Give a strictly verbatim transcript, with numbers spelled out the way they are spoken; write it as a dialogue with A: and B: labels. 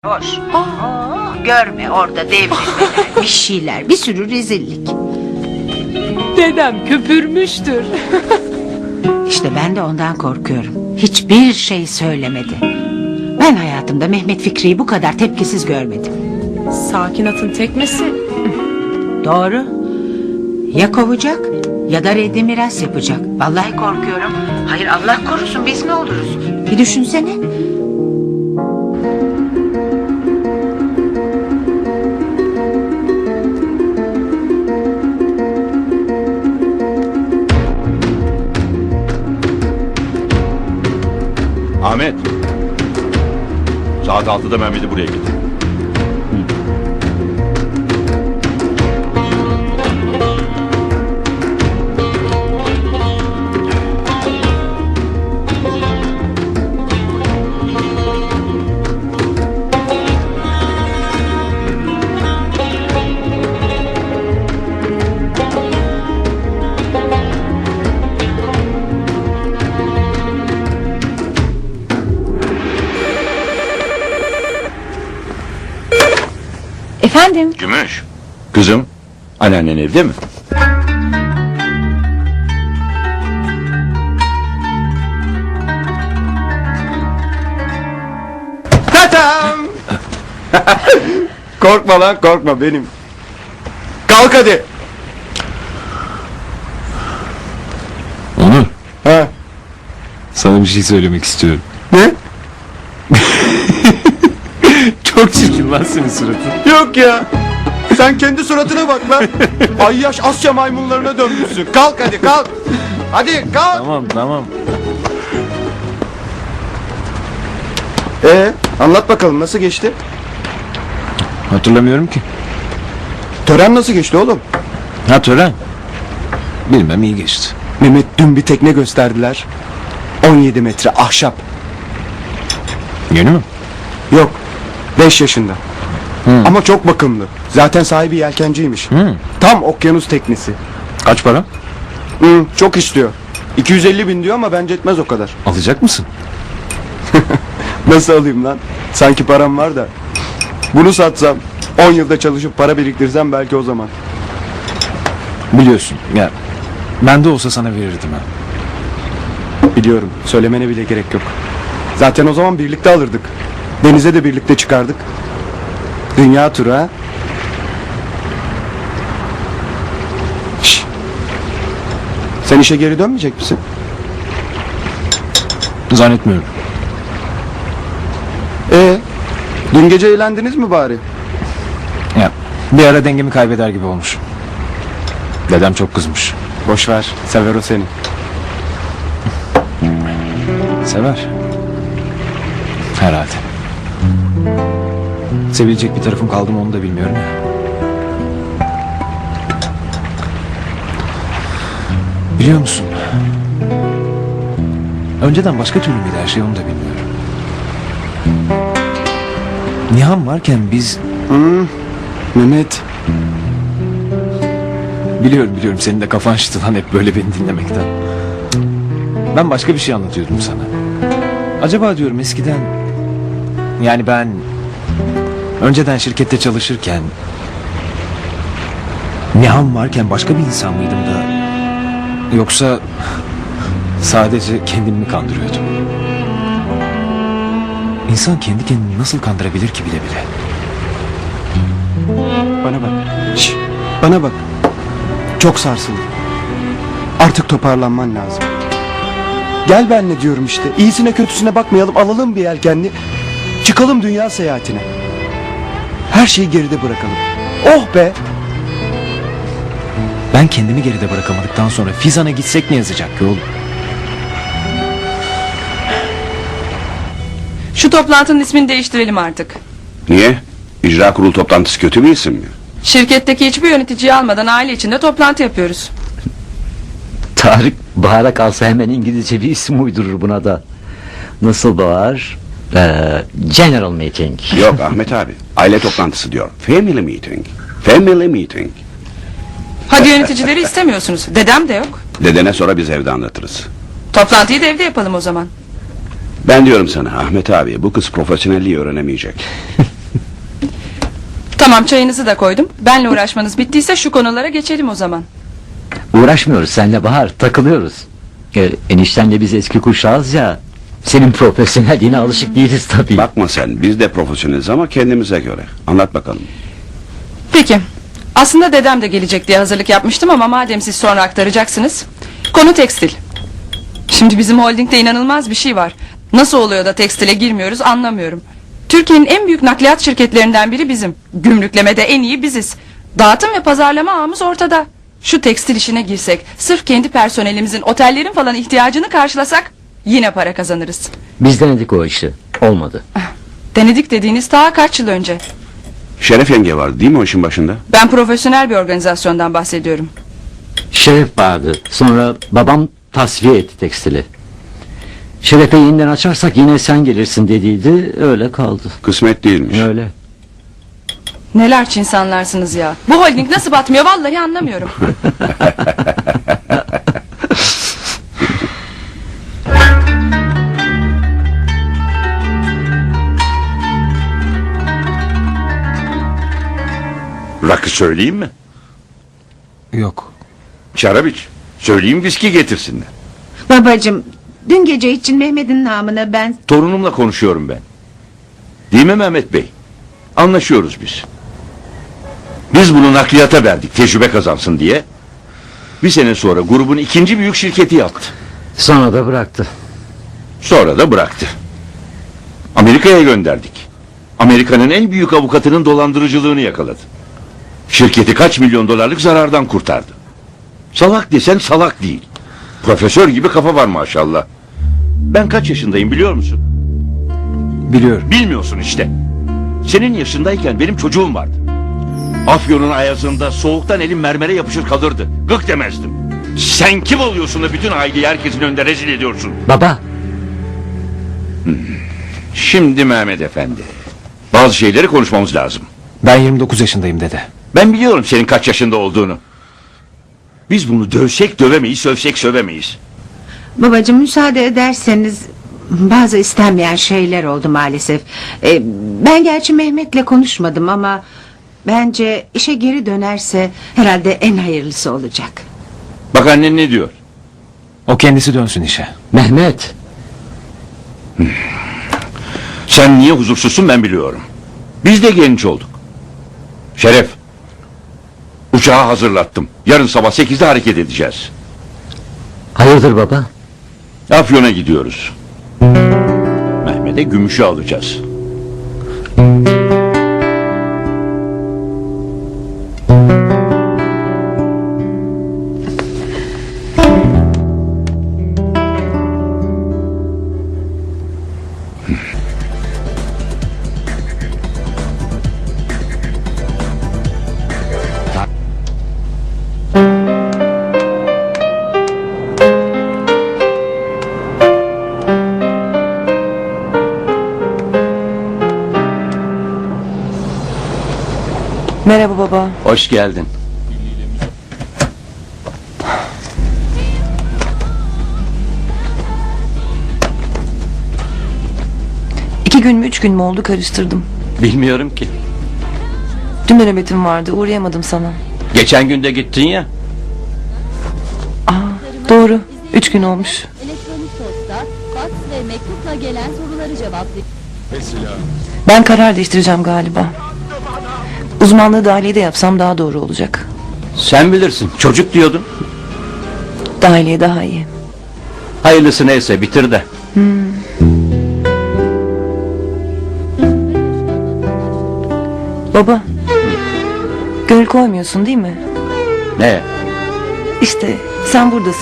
A: Boş. Aa, görme orada devrilmeler, bir şeyler, bir sürü rezillik.
B: Dedem köpürmüştür.
A: İşte ben de ondan korkuyorum. Hiçbir şey söylemedi. Ben hayatımda Mehmet Fikri'yi bu kadar tepkisiz görmedim.
B: Sakin atın tekmesi.
A: Doğru. Ya kovacak ya da reddi miras yapacak. Vallahi korkuyorum. Hayır, Allah korusun, biz ne oluruz? Bir düşünsene.
C: Ahmet. Saat altıda Mehmet'i buraya getir.
B: Efendim?
C: Gümüş. Kızım, anneannen evde mi?
D: Tatam! Korkma lan, korkma benim. Kalk hadi.
E: Onur,
D: Ha?
E: sana bir şey söylemek istiyorum.
D: Ne?
E: Çok çirkin lan senin suratın.
D: Yok ya. Sen kendi suratına bak lan. Ayyaş Asya maymunlarına dönmüşsün. Kalk hadi, kalk. Hadi kalk.
E: Tamam tamam.
D: Ee, anlat bakalım nasıl geçti?
E: Hatırlamıyorum ki.
D: Tören nasıl geçti oğlum?
E: Ha tören. Bilmem iyi geçti.
D: Mehmet dün bir tekne gösterdiler. on yedi metre ahşap.
E: Yeni mi?
D: Yok. beş yaşında. Ama çok bakımlı. Zaten sahibi yelkenciymiş.
E: Hı.
D: Tam okyanus teknesi.
E: Kaç para?
D: Hı, çok istiyor. iki yüz elli bin diyor ama bence etmez o kadar.
E: Alacak mısın?
D: Nasıl alayım lan? Sanki param var da. Bunu satsam, on yılda çalışıp para biriktirsem belki o zaman.
E: Biliyorsun ya. Ben de olsa sana verirdim ha.
D: Biliyorum. Söylemene bile gerek yok. Zaten o zaman birlikte alırdık. Denize de birlikte çıkardık. Dünya turu ha. Şş. Sen işe geri dönmeyecek misin?
E: Zannetmiyorum.
D: Ee, dün gece eğlendiniz mi bari?
E: Ya bir ara dengemi kaybeder gibi olmuş. Dedem çok kızmış.
D: Boş ver. Sever o seni.
E: Sever. Herhalde. Sevilecek bir tarafım kaldı mı onu da bilmiyorum ya. Biliyor musun? Önceden başka türlü müydü her şey onu da bilmiyorum. Nihan varken biz...
D: Mehmet.
E: Biliyorum biliyorum senin de kafan şişti lan hep böyle beni dinlemekten. Ben başka bir şey anlatıyordum sana. Acaba diyorum eskiden... Yani ben... Önceden şirkette çalışırken... Nihan varken başka bir insan mıydım da... Yoksa... Sadece kendimi mi kandırıyordum? İnsan kendi kendini nasıl kandırabilir ki bile bile?
D: Bana bak. Şş, bana bak. Çok sarsıldım. Artık toparlanman lazım. Gel benle diyorum işte. İyisine kötüsüne bakmayalım. Alalım bir yelkenli. Çıkalım dünya seyahatine. Her şeyi geride bırakalım. Oh be.
E: Ben kendimi geride bırakamadıktan sonra Fizan'a gitsek ne yazacak ki oğlum?
F: Şu toplantının ismini değiştirelim artık.
G: Niye? İcra kurulu toplantısı kötü bir isim mi?
F: Şirketteki hiçbir yöneticiyi almadan aile içinde toplantı yapıyoruz.
H: Tarık Bahar'a kalsa hemen İngilizce bir isim uydurur buna da. Nasıl Bahar? Ee, General Meeting.
G: Yok Ahmet abi. Aile toplantısı diyor. Family meeting. Family meeting.
F: Hadi yöneticileri istemiyorsunuz. Dedem de yok.
G: Dedene sonra biz evde anlatırız.
F: Toplantıyı da evde yapalım o zaman.
G: Ben diyorum sana Ahmet abi bu kız profesyonelliği öğrenemeyecek.
F: Tamam, çayınızı da koydum. Benle uğraşmanız bittiyse şu konulara geçelim o zaman.
H: Uğraşmıyoruz seninle Bahar, takılıyoruz. Ee, eniştenle biz eski kuşağız ya. Senin profesyonelliğine alışık değiliz tabii.
G: Bakma sen, biz de profesyoneliz ama kendimize göre. Anlat bakalım.
F: Peki. Aslında dedem de gelecek diye hazırlık yapmıştım ama madem siz sonra aktaracaksınız. Konu tekstil. Şimdi bizim holdingde inanılmaz bir şey var. Nasıl oluyor da tekstile girmiyoruz anlamıyorum. Türkiye'nin en büyük nakliyat şirketlerinden biri bizim. Gümrüklemede en iyi biziz. Dağıtım ve pazarlama ağımız ortada. Şu tekstil işine girsek, sırf kendi personelimizin, otellerin falan ihtiyacını karşılasak yine para kazanırız.
H: Biz denedik o işi, olmadı.
F: Denedik dediğiniz daha kaç yıl önce.
G: Şeref yenge var değil mi o işin başında?
F: Ben profesyonel bir organizasyondan bahsediyorum.
H: Şeref vardı, sonra babam tasfiye etti tekstili. Şeref'e yeniden açarsak yine sen gelirsin dediydi, öyle kaldı.
G: Kısmet değilmiş.
H: Öyle.
F: Neler insanlarsınız ya. Bu holding nasıl batmıyor vallahi anlamıyorum.
C: Rakı söyleyeyim mi?
E: Yok.
C: Şarap iç. Söyleyeyim viski getirsinler.
A: Babacığım, dün gece için Mehmet'in namına ben...
C: Torunumla konuşuyorum ben. Değil mi Mehmet Bey? Anlaşıyoruz biz. Biz bunu nakliyata verdik tecrübe kazansın diye. Bir sene sonra grubun ikinci büyük şirketi yaptı.
H: Sonra da bıraktı.
C: Sonra da bıraktı. Amerika'ya gönderdik. Amerika'nın en büyük avukatının dolandırıcılığını yakaladı. Şirketi kaç milyon dolarlık zarardan kurtardı. Salak desen salak değil. Profesör gibi kafa var maşallah. Ben kaç yaşındayım biliyor musun?
E: Biliyorum.
C: Bilmiyorsun işte. Senin yaşındayken benim çocuğum vardı. Afyon'un ayazında soğuktan elim mermere yapışır kalırdı. Gık demezdim. Sen kim oluyorsun da bütün aileyi herkesin önünde rezil ediyorsun?
H: Baba,
C: Şimdi Mehmet Efendi. Bazı şeyleri konuşmamız lazım.
E: Ben yirmi dokuz yaşındayım dede.
C: Ben biliyorum senin kaç yaşında olduğunu. Biz bunu dövsek dövemeyiz, sövsek sövemeyiz.
A: Babacığım müsaade ederseniz... Bazı istenmeyen şeyler oldu maalesef. Ee, ben gerçi Mehmet'le konuşmadım ama... Bence işe geri dönerse herhalde en hayırlısı olacak.
C: Bak annen ne diyor?
E: O kendisi dönsün işe.
H: Mehmet.
C: Sen niye huzursuzsun ben biliyorum. Biz de genç olduk. Şeref. Uçağı hazırlattım. Yarın sabah sekizde hareket edeceğiz.
H: Hayırdır baba?
C: Afyon'a gidiyoruz. Mehmet'e gümüşü alacağız.
B: Merhaba baba.
C: Hoş geldin.
I: İki gün mü üç gün mü oldu karıştırdım.
C: Bilmiyorum ki.
I: Dün de nöbetim vardı uğrayamadım sana.
C: Geçen günde gittin ya.
I: Aa, doğru üç gün olmuş.
J: Elektronik posta, fax ve mektupla gelen soruları cevaplıyor.
I: Ben karar değiştireceğim galiba. Uzmanlığı dahiliyede yapsam daha doğru olacak.
C: Sen bilirsin. Çocuk diyordun.
I: Dahiliye daha iyi.
C: Hayırlısı neyse bitir de.
I: Baba. Gönül koymuyorsun değil mi?
C: Ne?
I: İşte sen buradasın.